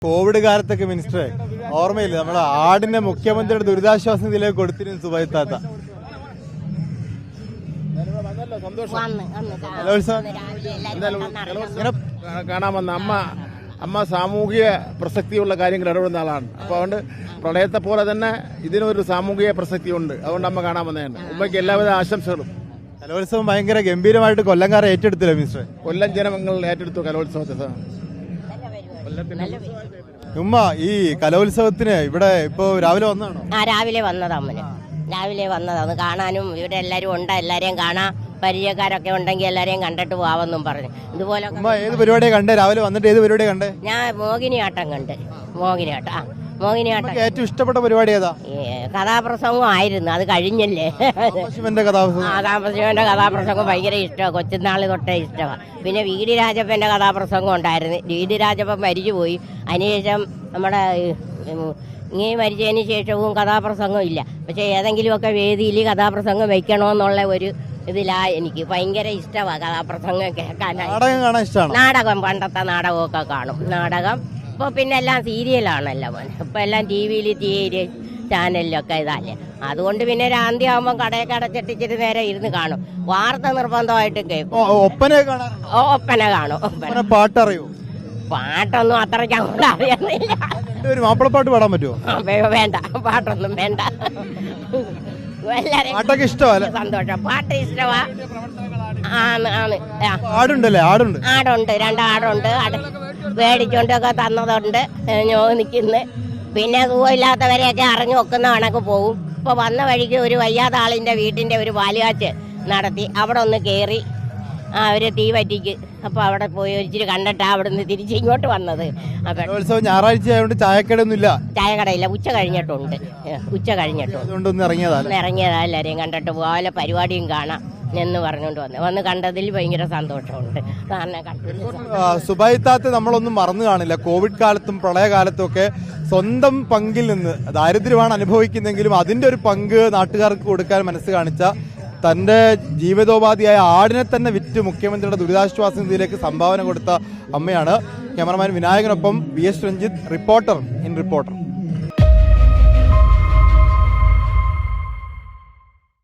Covid കാലത്തൊക്കെ മിനിസ്റ്ററെ ഓർമ്മയില്ല, നമ്മുടെ ആടിനെ മുഖ്യമന്ത്രിയുടെ ദുരിതാശ്വാസ നിധിയിലേക്ക് കൊടുത്തിരുന്നു സുബൈത്താത്ത. കാണാമെന്ന് അമ്മ സാമൂഹിക പ്രസക്തിയുള്ള കാര്യങ്ങൾ ഇടപെടുന്ന ആളാണ്. അപ്പോൾ അതുകൊണ്ട് പ്രളയത്തെ പോലെ തന്നെ ഇതിനൊരു സാമൂഹിക പ്രസക്തിയുണ്ട്. അതുകൊണ്ട് അമ്മ കാണാമെന്നാണ്. ഉമ്മയ്ക്ക് എല്ലാവിധ ആശംസകളും. കലോത്സവം ഭയങ്കര ഗംഭീരമായിട്ട് കൊല്ലംകാരെ ഏറ്റെടുത്തില്ല മിനിസ്റ്ററെ? കൊല്ലം ജനങ്ങൾ ഏറ്റെടുത്തു കലോത്സവത്തെ. ഉമ്മ, ഈ കലോത്സവത്തിന് ഇവിടെ ഇപ്പൊ രാവിലെ വന്നാണോ? രാവിലെ വന്നതാ അമ്മന്, രാവിലെ വന്നതാണ് കാണാനും. ഇവിടെ എല്ലാരും ഉണ്ട്, എല്ലാരെയും കാണാം. പരിചയക്കാരൊക്കെ ഉണ്ടെങ്കിൽ എല്ലാരെയും കണ്ടിട്ട് പോവാമെന്നും പറഞ്ഞു. ഇതുപോലെ ഏത് പരിപാടിയെ കണ്ടേ? രാവിലെ വന്നിട്ട് ഏത് പരിപാടിയെ കണ്ടേ? ഞാൻ മോഹിനിയാട്ടം കണ്ട്. മോഹിനിയാട്ടം ഏറ്റവും ഇഷ്ടപ്പെട്ട പരിപാടി ഏതാ? കഥാപ്രസംഗം ആയിരുന്നു, അത് കഴിഞ്ഞല്ലേ. പരമശിവന്റെ കഥാപ്രസംഗം ഭയങ്കര ഇഷ്ടമാണ്, കൊച്ചുനാള് തൊട്ടേ ഇഷ്ടമാണ്. പിന്നെ വി ഡി രാജപ്പന്റെ കഥാപ്രസംഗം ഉണ്ടായിരുന്നു. വി ഡി രാജപ്പൻ മരിച്ചുപോയി. അതിനുശേഷം നമ്മുടെ ഇങ്ങനെ മരിച്ചതിന് ശേഷവും കഥാപ്രസംഗം ഇല്ല. പക്ഷെ ഏതെങ്കിലുമൊക്കെ വേദിയിൽ കഥാപ്രസംഗം വെക്കണമെന്നുള്ള ഒരു ഇതിലാ. എനിക്ക് ഭയങ്കര ഇഷ്ടമാണ് കഥാപ്രസംഗം കേൾക്കാനായിട്ട്. നാടകം, പണ്ടത്തെ നാടകമൊക്കെ കാണും. നാടകം ഇപ്പോൾ പിന്നെ എല്ലാം സീരിയലാണല്ലോ. ഇപ്പം എല്ലാം ടി വിയിൽ ചാനലിലൊക്കെ ഇതല്ലേ. അതുകൊണ്ട് പിന്നെ രാന്തിയാകുമ്പോൾ കടയൊക്കെ അടച്ചിട്ടിച്ചിട്ട് നേരെ ഇരുന്ന് കാണും. വാർത്ത നിർബന്ധമായിട്ടും കേൾക്കും. ഒപ്പന കാണും. പാട്ടറിയോ? പാട്ടൊന്നും അത്രയ്ക്ക് അങ്ങോട്ട് അറിയുന്നില്ല. മാപ്പിളപ്പാട്ട് പാടാൻ പറ്റുമോ? വേണ്ട, പാട്ടൊന്നും വേണ്ട. പാട്ടൊക്കെ ഇഷ്ടമല്ല. സന്തോഷം, പാട്ട് ഇഷ്ടമാ. ആടുണ്ടല്ലേ? ആടുണ്ട്, 2 ആടുണ്ട്. മേടിച്ചോണ്ടൊക്കെ തന്നതുണ്ട്. നിൽക്കുന്നു. പിന്നെ സുഖമില്ലാത്തവരെയൊക്കെ അറിഞ്ഞു വെക്കുന്ന കണക്ക് പോകും. ഇപ്പൊ വന്ന വഴിക്ക് ഒരു വയ്യാത്ത ആളിന്റെ വീട്ടിന്റെ ഒരു പാലുകാച്ച് നടത്തി. അവിടെ ഒന്ന് കയറി അവര് തീ പറ്റിക്ക്. അപ്പൊ അവിടെ പോയി ഒരിച്ചിരി കണ്ടിട്ടാ അവിടെ നിന്ന് തിരിച്ച് ഇങ്ങോട്ട് വന്നത്. അപ്പൊ ഞായറാഴ്ച ആയതുകൊണ്ട് ചായക്കടയൊന്നുമില്ല. ചായക്കടയില്ല, ഉച്ച കഴിഞ്ഞിട്ടുണ്ട്. ഇറങ്ങിയതാ. എല്ലാരെയും കണ്ടിട്ട് പോകാൻ പരിപാടിയും കാണാം എന്ന് പറഞ്ഞുകൊണ്ട് വന്ന് കണ്ടതിൽ ഭയങ്കര സന്തോഷമുണ്ട്. സുബൈത്താത്ത് നമ്മളൊന്നും മറന്നു കാണില്ല. കോവിഡ് കാലത്തും പ്രളയകാലത്തും ഒക്കെ സ്വന്തം പങ്കിൽ നിന്ന് ദാരിദ്ര്യമാണ് അനുഭവിക്കുന്നെങ്കിലും അതിന്റെ ഒരു പങ്ക് നാട്ടുകാർക്ക് കൊടുക്കാൻ മനസ്സ് കാണിച്ച, തന്റെ ജീവിതോപാധിയായ ആടിനെ തന്നെ വിറ്റ് മുഖ്യമന്ത്രിയുടെ ദുരിതാശ്വാസ നിധിയിലേക്ക് സംഭാവന കൊടുത്ത അമ്മയാണ്. ക്യാമറമാൻ വിനായകനൊപ്പം VS രഞ്ജിത്ത്, റിപ്പോർട്ടർ.